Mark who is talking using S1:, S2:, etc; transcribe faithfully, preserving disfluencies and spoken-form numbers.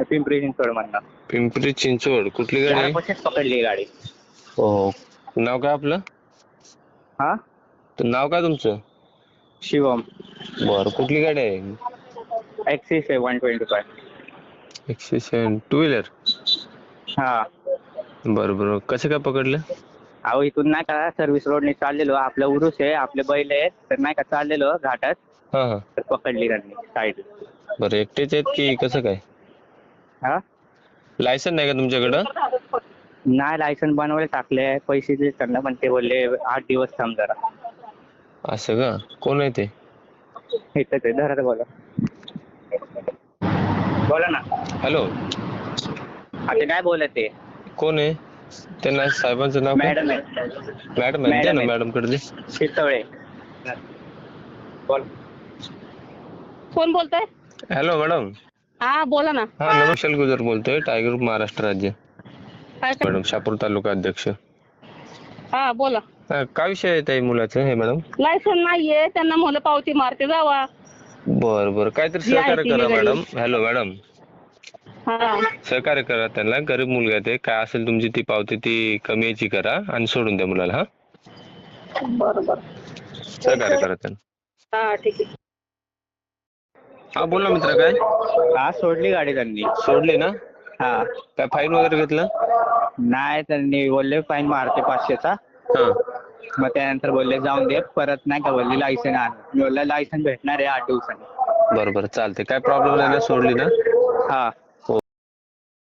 S1: पिंपरी चिंचवड मधनं.
S2: पिंपरी चिंचवड. कुठली गाडी आहे?
S1: दारापाशीच पकडली गाडी.
S2: हो. नाव काय आपलं?
S1: हा
S2: तर नाव काय तुमचं?
S1: शिवम.
S2: बरं, कुठली गाडी आहे?
S1: ऍक्सिस आहे वन ट्वेंटी फाय.
S2: एकशे सेवन टू व्हीलर.
S1: हा
S2: बरं बरं, कसं काय पकडलं?
S1: अहो इथून नाही का सर्व्हिस रोडने चाललेलो, आपलं उरूस आहे, आपले बैल आहेत, तर नाही का चाललेलो घाटात,
S2: हा हा.
S1: तर पकडली त्यांनी साईड.
S2: बरं, एकटेच आहेत की कसं काय?
S1: हा
S2: लायसन नाही का तुमच्याकडं?
S1: नाही, लायसन बनवायला टाकले, पैसे दिले त्यांना, पण ते बोलले आठ दिवस थांब जरा.
S2: असं का? कोण आहे ते?
S1: इथं ते धरा बोला. बोला ना.
S2: हॅलो.
S1: आता काय बोलत ते?
S2: कोण आहे? त्यांना साहेबांचं नाव काय?
S1: मॅडम आहे.
S2: मॅडम आहे, द्या ना
S1: मॅडम
S2: मॅडम कडे दे.
S1: शितळे. बोल.
S3: कोण बोलतोय?
S2: Hello madam.
S3: हा बोला ना.
S2: हा, नमस्कार, गुजर बोलतोय, टायगर ग्रुप महाराष्ट्र राज्य.
S3: काय काय?
S2: मॅडम, शापूर तालुका अध्यक्ष.
S3: हा बोला.
S2: हा, काय विषय आहे ताई मुलाचं हे मॅडम?
S3: लायसन नाहीये, त्यांना म्हणलं पावती मारते जावा.
S2: बर बर, काहीतरी
S3: जी आहे
S2: सहकार्य
S3: ती
S2: करा
S3: वेगळी.
S2: मॅडम. हॅलो मॅडम,
S3: हा
S2: सहकार्य करा त्यांना. गरीब मुलगा आहे ते, काय असेल तुमची ती पावती ती कमी याची करा आणि सोडून द्या मुलाला. हा,
S3: बरं बरं.
S2: सहकार्य करा त्यांना.
S3: हा ठीक आहे.
S2: हा बोल ना मित्र, काय
S1: हा सोडली गाडी त्यांनी.
S2: सोडली ना?
S1: हा
S2: काय फाईन वगैरे घेतलं?
S1: नाही, त्यांनी बोलले फाईन मारते पाचशेचा.
S2: हा.
S1: मग त्यानंतर बोलले जाऊन दे, परत नाही का बोलले लायसन आण. मी बोलला लायसन भेटणार आहे आठ दिवसांनी.
S2: बरं बरं, चालते, काय प्रॉब्लेम नाही ना? सोडली ना?
S1: हा